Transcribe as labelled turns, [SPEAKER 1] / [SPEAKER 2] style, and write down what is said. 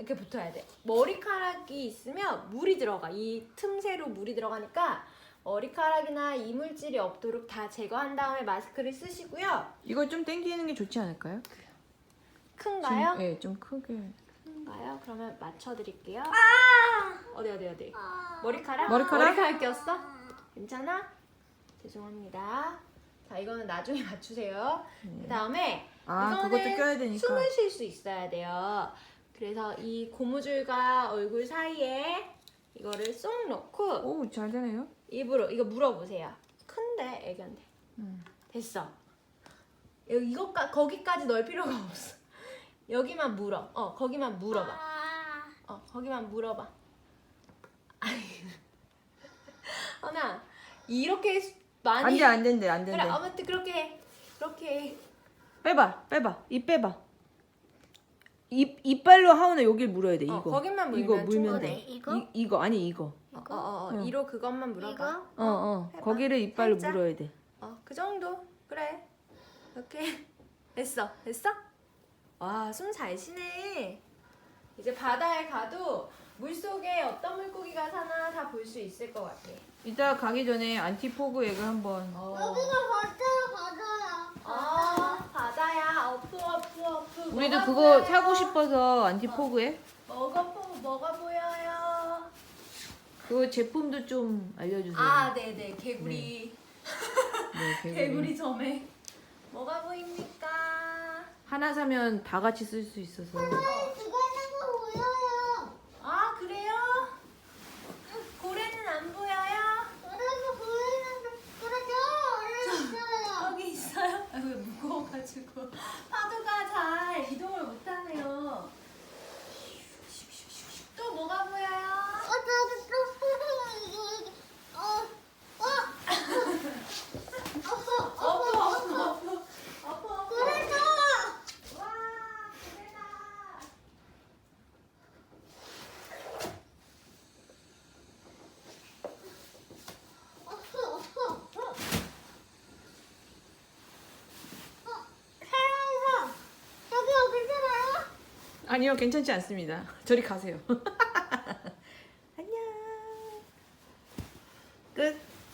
[SPEAKER 1] 이렇게 붙어야 돼. 머리카락이 있으면 물이 들어가. 이 틈새로 물이 들어가니까 머리카락이나 이물질이 없도록 다 제거한 다음에 마스크를 쓰시고요.
[SPEAKER 2] 이거 좀 당기는 게 좋지 않을까요?
[SPEAKER 1] 큰가요?
[SPEAKER 2] 네, 좀 크게.
[SPEAKER 1] 큰가요? 그러면 맞춰드릴게요. 어디? 머리카락?
[SPEAKER 2] 머리카락
[SPEAKER 1] 꼈어? 괜찮아? 죄송합니다. 자, 이거는 나중에 맞추세요. 그 다음에
[SPEAKER 2] 그것도 껴야 되니까.
[SPEAKER 1] 숨을 쉴 수 있어야 돼요. 그래서 이 고무줄과 얼굴 사이에 이거를 쏙 넣고
[SPEAKER 2] 오, 잘 되네요.
[SPEAKER 1] 입으로 이거 물어보세요. 큰데 애견데. 됐어. 거기까지 넣을 필요가 없어. 여기만 물어. 거기만 물어봐. 거기만 물어봐. 하나 이렇게 많이
[SPEAKER 2] 안 된대.
[SPEAKER 1] 그래 아무튼 그렇게 해.
[SPEAKER 2] 빼봐. 입 빼봐. 이빨로 하은아 여길 물어야 돼. 이거.
[SPEAKER 1] 거기만 물면
[SPEAKER 2] 이거 물면
[SPEAKER 1] 충분해.
[SPEAKER 2] 돼.
[SPEAKER 3] 이거?
[SPEAKER 2] 이거 아니 이거.
[SPEAKER 1] 이로 그것만 물어봐.
[SPEAKER 3] 이거?
[SPEAKER 1] 해봐.
[SPEAKER 2] 거기를 이빨로
[SPEAKER 1] 살짝.
[SPEAKER 2] 물어야 돼.
[SPEAKER 1] 그 정도. 그래. 이렇게 됐어. 와, 숨 잘 쉬네. 이제 바다에 가도 물속에 어떤 물고기가 사나 다 볼 수 있을 것 같아.
[SPEAKER 2] 이따 가기 전에 안티포그 액을 한번.
[SPEAKER 1] 바다야. 어프.
[SPEAKER 2] 우리도
[SPEAKER 1] 뭐가
[SPEAKER 2] 그거
[SPEAKER 1] 보여요?
[SPEAKER 2] 사고 싶어서 안티포그 액.
[SPEAKER 1] 뭐가 보여요?
[SPEAKER 2] 그 제품도 좀 알려주세요.
[SPEAKER 1] 네네. 개구리.
[SPEAKER 2] 네,
[SPEAKER 1] 개구리 점에. 뭐가 보입니까?
[SPEAKER 2] 하나 사면 다 같이 쓸 수 있어서.
[SPEAKER 1] 그래요? 고래는 안 보여요? 여기 있어요? 왜 무거워가지고 파도가 잘 이동을 못하네요. 또 뭐가 보여요? 어프. 와, 고래다.
[SPEAKER 2] 아니요, 괜찮지 않습니다. 저리 가세요.